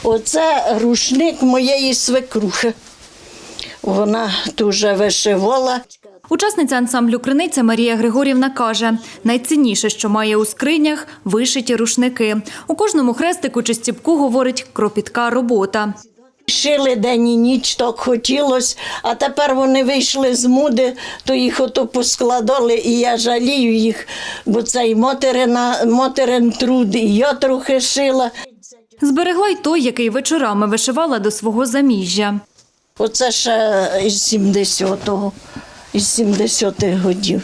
Оце рушник моєї свекрухи. Вона дуже вишивала. Учасниця ансамблю «Криниця» Марія Григорівна каже, найцінніше, що має у скринях – вишиті рушники. У кожному хрестику чи стіпку, говорить, кропітка робота. Шили день і ніч, так хотілося, а тепер вони вийшли з моди, то їх ото поскладали, і я жалію їх, бо це і материн труд, і я трохи шила. Зберегла й той, який вечорами вишивала до свого заміжжя. Оце ще із 70-го, із 70-х годів.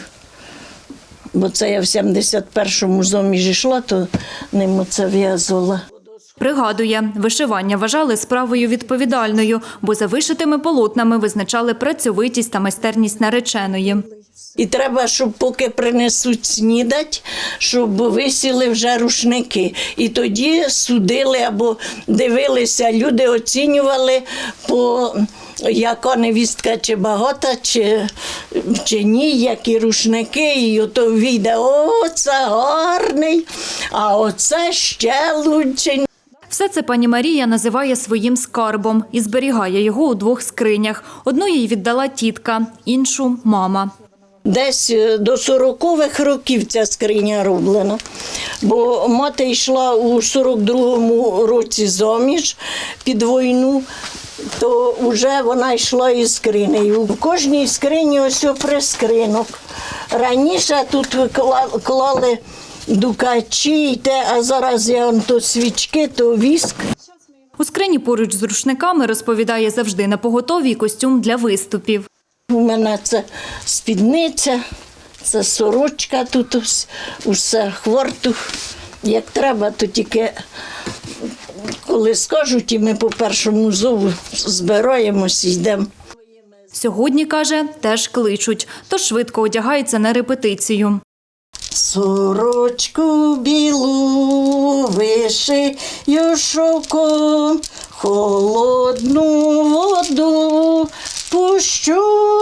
Бо це я в 71-му заміж йшла, то ним оце в'язала. Пригадує, вишивання вважали справою відповідальною, бо за вишитими полотнами визначали працьовитість та майстерність нареченої. І треба, щоб поки принесуть снідать, щоб висіли вже рушники. І тоді судили або дивилися, люди оцінювали, яка невістка чи багата, чи ні, які рушники. І ото вийде, о, це гарний, а оце ще лучший. Все це пані Марія називає своїм скарбом і зберігає його у двох скринях. Одну їй віддала тітка, іншу – мама. Десь до 40-х років ця скриня роблена, бо мати йшла у 42-му році заміж під війну, то вже вона йшла із скринею. В кожній скрині ось прискринок. Раніше тут клали дукачі, а зараз є то свічки, то віск. У скрині поруч з рушниками, розповідає, завжди напоготові костюм для виступів. У мене це спідниця, це сорочка, тут усе хвортух. Як треба, то тільки коли скажуть, і ми по першому зову збираємося і йдемо. Сьогодні, каже, теж кличуть, тож швидко одягається на репетицію. Сорочку білу вишию шовком, холодну воду пущу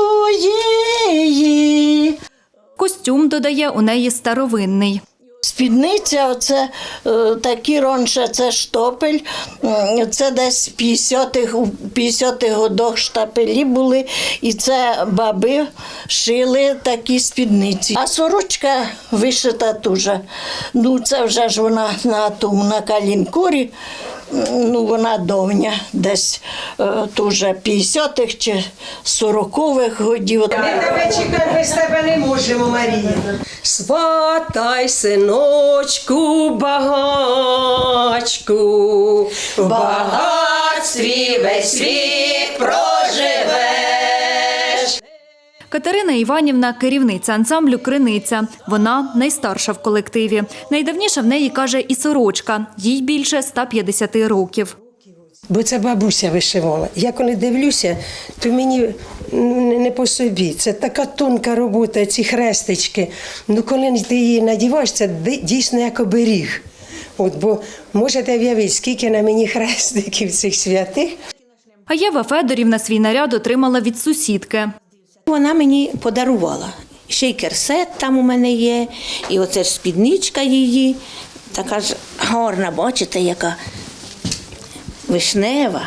її. Костюм, додає, у неї старовинний. Спідниця, оце такі раніше, це штопель, це десь в 50-х годах штапелі були, і це баби шили такі спідниці. А сорочка вишита теж. Ну, це вже ж вона на калінкурі, ну, вона давня, десь теж 50-х чи 40-х годів. Ми тебе чекати без тебе не можемо, Марія. Сватай, синочку, багачку, в багатстві весь вік проживеш. Катерина Іванівна – керівниця ансамблю «Криниця». Вона найстарша в колективі. Найдавніша в неї, каже, і сорочка. Їй більше 150 років. Бо це бабуся вишивала. Я коли дивлюся, то мені не по собі. Це така тонка робота, ці хрестички. Ну, коли ти її надіваєш, це дійсно як оберіг. Бо можете уявити, скільки на мені хрестиків цих святих. А Єва Федорівна свій наряд отримала від сусідки. Вона мені подарувала. Ще й керсет там у мене є, і оце ж спідничка її. Така ж гарна, бачите, яка вишнева.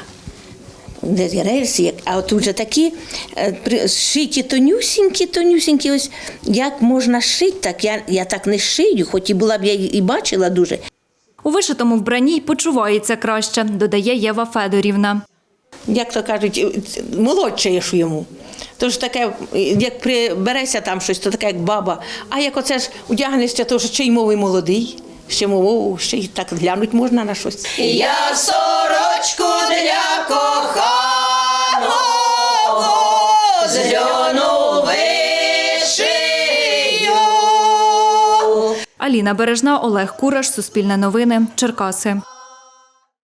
Рельси, а от вже такі шиті тонюсінькі, ось як можна шити, так я так не шию, хоч і була б я і бачила дуже. У вишитому вбранні й почувається краще, додає Єва Федорівна. Як то кажуть, молодшаєш йому. Тож таке, як прибереся там щось, то таке, як баба. А як оце ж одягнешся, то ще й мовий молодий, ще й так глянуть можна на щось. Я сорочку для коханого з льону вишию. Аліна Бережна, Олег Кураш, Суспільне новини, Черкаси.